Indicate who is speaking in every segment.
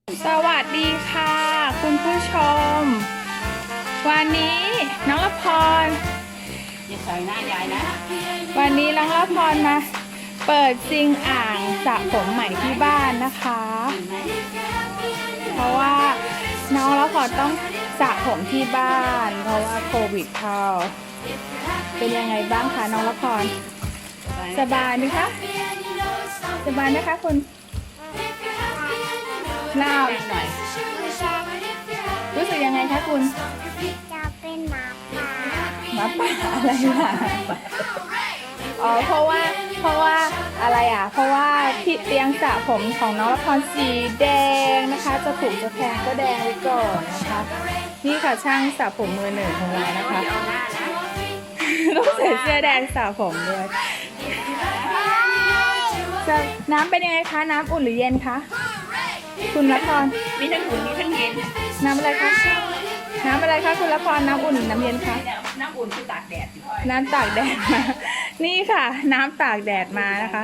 Speaker 1: สวัสดีค่ะคุณผู้ชม วันนี้น้องละพร
Speaker 2: อย่าใส่หน้ายายนะ
Speaker 1: วันนี้น้องละพรมาเปิดซิงอ่างสระผมใหม่ที่บ้านนะคะ เพราะว่าน้องละพรต้องสระผมที่บ้าน เพราะว่าโควิดเข้าเป็นยังไงบ้างคะน้องละพรสบายไหมคะสบายไหมคะคุณเล่า
Speaker 2: หน่อย
Speaker 1: รู้สึกยังไงคะคุณ
Speaker 3: จะเป็นหมาป่า
Speaker 1: หมาป่าอะไรล่ะอ๋อเพราะว่าอะไรอ่ะเพราะว่าที่เตียงสระผมของน้องละพรสีแดงนะคะจะถูกจะแพงก็แดงไว้ก่อนนะคะนี่ค่ะช่างสระผมมือหนึ่งของเรานะคะ
Speaker 2: เอาหน้านะ
Speaker 1: ต้องใส่เสื้อแดงสระผมด้วยจะน้ำเป็นยังไงคะน้ำอุ่นหรือเย็นคะคุณละพร
Speaker 2: มีทั้งอุ่นมีทั้งเย็น
Speaker 1: น้ำอะไรคะน้ำอะไรคะคุณละพรน้ำอุ่นหรือน้ำเย็นคะ
Speaker 2: น้ำอุ่นคือตากแดด
Speaker 1: น้ำตากแดดมา นี่ค่ะ น้ำตากแดดมานะคะ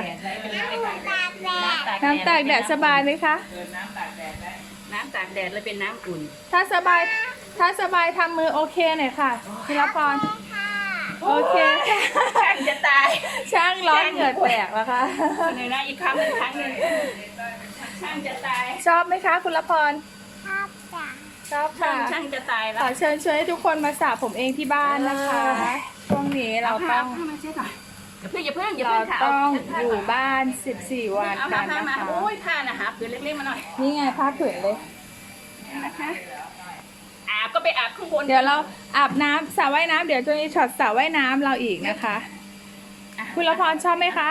Speaker 1: น้ำตากแดดสบายไหมคะ
Speaker 2: น้ำตากแดดเลยเป็นน้ำอุ่น
Speaker 1: ถ้าสบายทำมือโอเคหน่อยค่ะคุณละพรโอเคค่ะ
Speaker 2: ช่างจะตาย
Speaker 1: ช่างร้อนเหงื่อแตกแล้วค่ะ
Speaker 2: หนึ่งนะอีกครั้งหนึ่งช่างจะตาย
Speaker 1: ชอบไหมคะคุณละพร
Speaker 3: ชอบจ้ะ
Speaker 1: ชอบค่ะ
Speaker 2: ช่างจะตายแล้
Speaker 1: ข
Speaker 2: ว
Speaker 1: อเชิญชวนให้ทุกคนมาสระผมเองที่บ้านนะคะ ช่วงนี้เราต้อง
Speaker 2: มาเช็ดหน่อยอย่าเพิ่ง
Speaker 1: เรา
Speaker 2: ค่ะ
Speaker 1: ต้องอยู่บ้าน 14 วัน
Speaker 2: เอา
Speaker 1: กั
Speaker 2: ผ้าน มา
Speaker 1: นะคะ
Speaker 2: โอ้ยผ้านะหาผืนเล็กๆมาหน่อย
Speaker 1: นี่ไงผ้าผืนเลย
Speaker 2: นะคะอาบก็ไปอาบข้างบน
Speaker 1: เดี๋ยวเราอาบน้ำสระว่ายน้ำเดี๋ยวจะมีช็อตสระว่ายน้ำเราอีกนะคะ คุณละพรชอบไหมคะ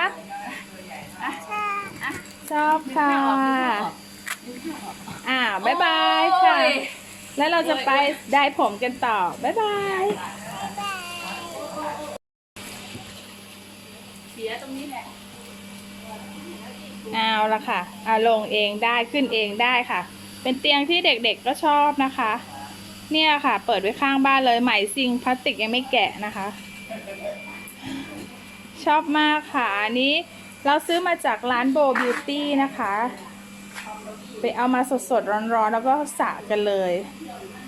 Speaker 1: ชอบค่ะบ๊ายบายค่ะ แล้วเราจะไปได้ผมกันต่อ บ๊ายบาย
Speaker 2: เสียตรงนี้แหละ
Speaker 1: เอาละค่ะลงเองได้ขึ้นเองได้ค่ะ เป็นเตียงที่เด็กๆก็ชอบนะคะ เนี่ยค่ะ เปิดไว้ข้างบ้านเลยไหมซิงพลาสติกยังไม่แกะนะคะ ชอบมากค่ะอันนี้เราซื้อมาจากร้านโบบิวตี้นะคะ ไปเอามาสดๆร้อนๆแล้วก็สระกันเลย